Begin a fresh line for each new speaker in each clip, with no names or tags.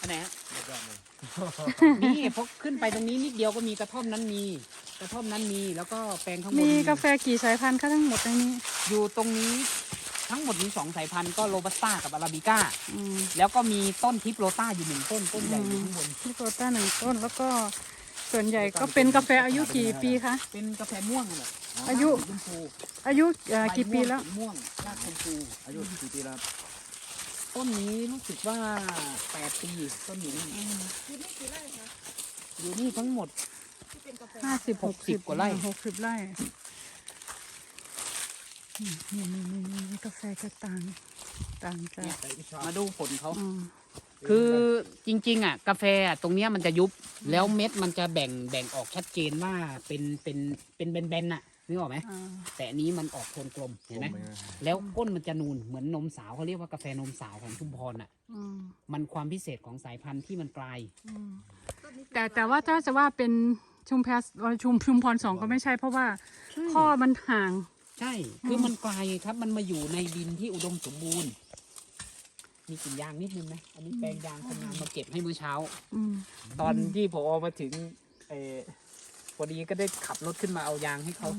ไหนฮะ
ยอดเลย
นี่พอขึ้นไปตรงนี้นิดเดียวก็มีกระท่อมนั้นมีกระท่อมนั้นมีแล้วก็แปลงข้างบน
มีกาแฟกี่สายพันธุ์คะทั้งหมดในนี้
อยู่ตรงนี้ทั้งหมดมี2 สายพันธุ์ก็โรบัสต้ากับอาราบิก้า
อืม
แล้วก็มีต้นทิปโรต้าอยู่1 ต้นต้นใหญ่อยู่ข้างบน
ที่โตต้า1 ต้นแล้วก็ส่วนใหญ่ก็เป็นกาแฟอายุกี่ปีคะ
เป็นกาแฟม่วงเลย
อายุ
ชมพู
อายุกี่ปีแล้ว
ม่วงรากชมพู
อายุกี่ปีแล้วครับ
ต้นนี้รู้สึกว่า8 ปีต้นอยู่นี่
คือนี่กี่ไร่คะ
อยู่นี่ทั้งหมด
ที่เป็นกาแฟ
60 กว่าไร่
60 ไร่นี่กาแฟจะต่างจาก
มาดูผลเขา
อืม
คือจริงๆอ่ะกาแฟอ่ะตรงเนี้ยมันจะยุบแล้วเม็ดมันจะแบ่งออกชัดเจนว่าเป็นแบนๆน่ะนึกออกไหม
อ่า
แต่อันนี้มันออกโทนกลมเห็นไหมแล้วก้นมันจะนูนเหมือนนมสาวเขาเรียกว่ากาแฟนมสาวของชุมพรอ่ะ
อืม
มันความพิเศษของสายพันธุ์ที่มันกลาย
อืมแต่ว่าถ้าจะว่าเป็นชุมพร2ก็ไม่ใช่เพราะว่าข้อมันห่าง
ใช่คือมันกลายครับมันมาอยู่ในดินที่อุดมสมบูรณ์มีกลิ่นยางนิดนึงไหมอันนี้แปลงยางคนงานมาเก็บให้มื้อเช้า
อืม
ตอนที่ผอมาถึงพอดีก็ได้ขับรถขึ้นมาเอายางให้เขา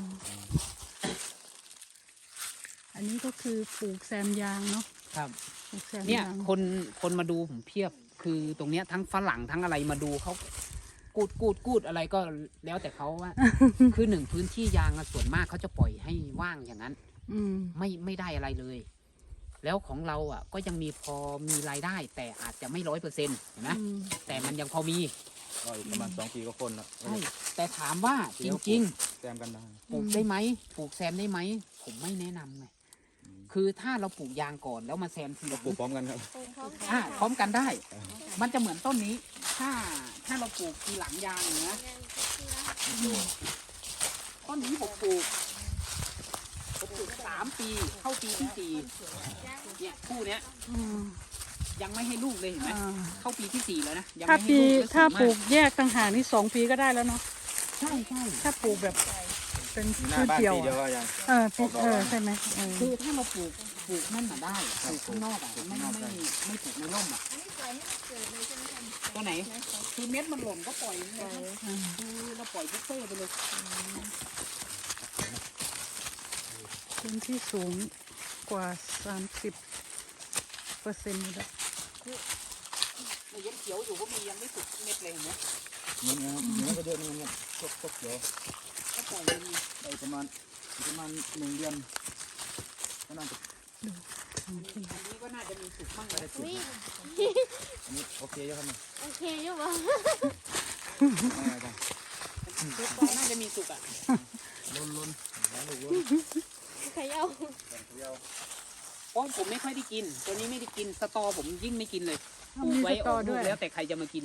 อันนี้ก็คือปลูกแซมยางเนาะ
ครับ
ปลูกแซม
เนี่ย
ยาง
คนมาดูผมเพียบ คือตรงเนี้ยทั้งฝรั่งทั้งอะไรมาดูเขากูดอะไรก็แล้วแต่เขาว่า คือหนึ่งพื้นที่ยางอะส่วนมากเขาจะปล่อยให้ว่างอย่างนั้น
อืม
ไม่ได้อะไรเลย แล้วของเราอ่ะก็ยังมีพอมีรายได้ แต่อาจจะไม่100%เห็นไหม
อืม
แต่มันยังพอมี
ก็อีกประมาณ2 ปีก็คนแล้ว
ใช่แต่ถามว่าจริง
แซมกันได้
ๆปลูกได้ไหมปลูกแซมได้ไหมผมไม่แนะนำไงคือถ้าเราปลูกยางก่อนแล้วมาแซมทีห
ก็
ลัง
ปลูกพร้อมกันครับ
ปลูกพร้อมกัน
พร้อมกันได้ มันจะเหมือนต้นนี้ ถ้าเราปลูกทีหลังยางเนี่ยนะต้นนี้ผมปลูก3 ปีเข้าปีที่4เนี่ยคู่เนี้ย
อืม
ยังไม่ให้ลูกเลยเห็นไหม
อ่า
เข้าปีที่4แล้วนะยัง
ถ้า
ไม่ให้
ปี
ลูก
ถ้า
แล้ว
ปลู
สู
ก
งม
แยกต่างหากนี่2 ปีก็ได้แล้วเนาะ
ใช่ใช่
ถ้าปลูกแบบเป็น
หน้า
พืช
บ้าน
เดียว
ปีเดียว
อะ
ก็ยัง
ใช่ไหม
คือถ้าเราปลูกนั่นน่ะได้ปลูกข้างนอกอ่ะไม่ปลูกในร่มอ่ะ
อันนี้ปล่อยให้มันเกิดเลยใช่ไหมคะ
ตัวไหนคือเม็ดมันหล่นก็ปล่อยเลยครับคือเราปล่อยบุฟเฟ่ต์ไปเลย
พื้นที่สูงกว่า30%อยู่แล้ว
ในยังเขียวอยู่ก็มียังไม่สุกเม็ดเลยเห็นไหม
เหมือนกันครับเหมือนก็เยอะเหมือนกันพวกเดี๋ยว
ก็ปล่อยเลย
ไปประมาณ1 เดือนก็น่าจะ
อันนี้ก็น่าจะมีสุกบ้างเลย
อุ้ย
อันนี้โอเคเยอะครับเนี่ย
โอเคอยู่บ่
ง่ายจัง
น่าจะมีสุกอ่ะ
ล้นแล้วลูกล้น
เขย่า
เพราะผมไม่ค่อยได้กิน ตัวนี้ไม่ได้กินสตอผมยิ่งไม่กินเลยปลูก
มี
ไว้
ส
อ
ต
อ
อก
ลู
ด้
ก
วย
แล้วแต่ใครจะมากิน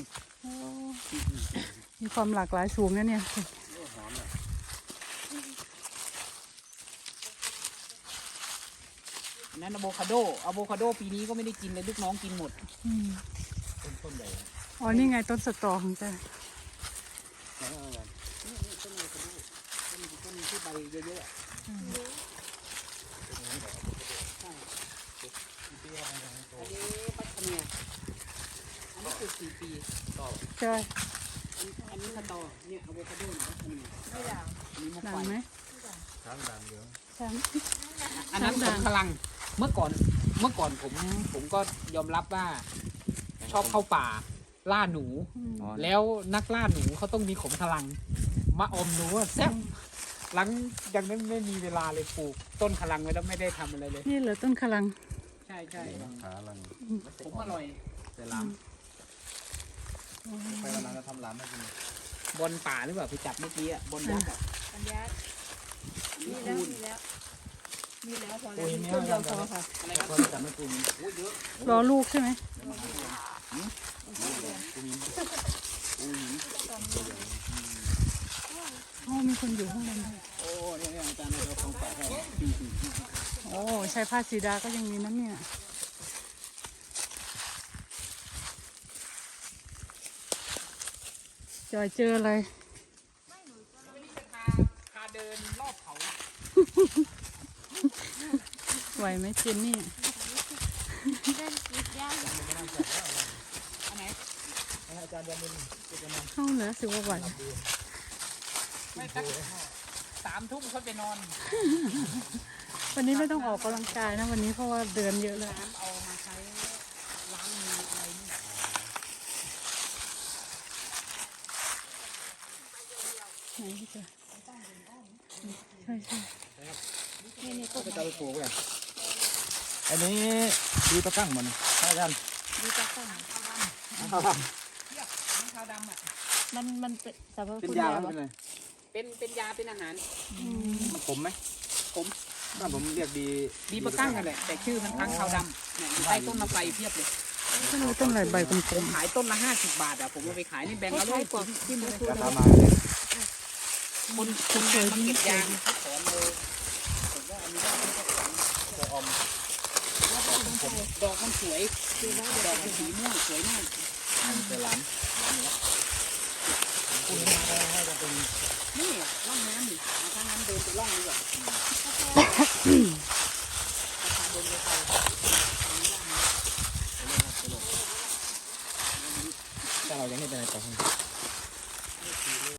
มีความหลากหลายสูงนะเนี่ย
หอมเลย
อันนั้นอะโวคาโดปีนี้ก็ไม่ได้กินเลยลูกน้องกินหมด
อืม
ต้นใหญ่
อ๋อนี่ไงต้นสตอของแก
นี่ต้นอะโวคาโดต้นที่ใบเยอะๆอะใช่อันนี้ปัตตานีอันนี้ปลูก4 ปีต่อ
ใช่
อันนี้สตอเนี่ยอะโวคาโดเนี่ยปัตตานี
ไม่ด่าง
อันนี้มะ
ดั
ไฟ
งไหม
ช้างดังเยอะ
ช้าง
อันนั้นผมพลังเมื่อก่อนผมก็ยอมรับว่าชอบเข้าป่าล่าหนู แล้วนักล่าหนูเขาต้องมีขมพลังมาอมหนูอะแซ่บหลังยังไม่มีเวลาเลยปลูกต้นพลังไว้แล้วไม่ได้ทำอะไรเลย
นี่เหรอต้นขลัง
ใช่ใช่
ขาลัง
ผมอร่อย
แต่ลามไปวันนั้นเราทำลามให้กิน
บนป่าหรือเปล่าไปจับเมื่อกี้อ่ะบนยักษ์อะ
ปัญญา
นี่
มีแล้ว
คูณ
มีแล้วมีแล้วพอ
โอ้
แล้ว
ย
ต้นเดียวพอค่ะ
อะไรครับ
เขาจับไม่ปรุง
โอ้ยเยอะ
รอลูกใช่ไหมอ๋อมีคนอยู่ข้างบนด้วย
โอ้เนี่ยอาจารย์เราของฝากให้
โอ้ใช้ผ้าสีดาก็ยังมีนั่นเนี่ยจอยเจออะไร
พาเดินรอบเขา
ไหวไหมเจนนี่
เล่นกีดยาง
อันไหน
จารย์ยามินจะนอน
เข้าแล้วสิว่าไหว
ไม่สัก3 ทุ่มเขาไปนอน
วันนี้ไม่ต้องออกกำลังกายนะวันนี้เพราะว่าเดินเยอะแล้ว
น้ำเอามาใช้ล้างมืออะไรนี่
ไหนพี่เจอใช่ใช่
นี่ต้น
ไปจะไปปลูกไงอันนี้ดีตะกั้งมันใช่กัน
ดีจังต้น
เทียบน้ำขาวดำอ่ะ
มันเป็นสรรพ
เป็น
คุณ
ยา
แล้
เป็น
ว
ไง
เป็นยาเป็นอาหาร
มันขมไหม
ผม
บ้านผมเรียกดี
ดีปะกั้งกันแหละแต่ชื่อมันค้างขาวดำเนี่ยอยู่ใต้ต้นมะไฟเพียบเลย
ต้นอะไรต้นอะไรใบกล
ผม มขายต้นละ50 บาทอ่ะผมเอาไปขายนี่แบ่ง
ค
ละ
ล้ายๆกว่า
100
ที่มัน
ราคามาเลย
คนงานมาเก็บยางเขาถอนเลยผมว่าอันนี้ก็เป็นเจ้าของ
จะอม
ดอกมันสวยดอกมันสีม่วงสวยมาก
มันเป็นร้านคุณมาได้ให้จะเป็น
นี่ร่องน้ำนี่เอาถ้างั้นเดินไปร่องดีกว่าเดินไปไป
แต่เรายังไม่ได้ไปต่อ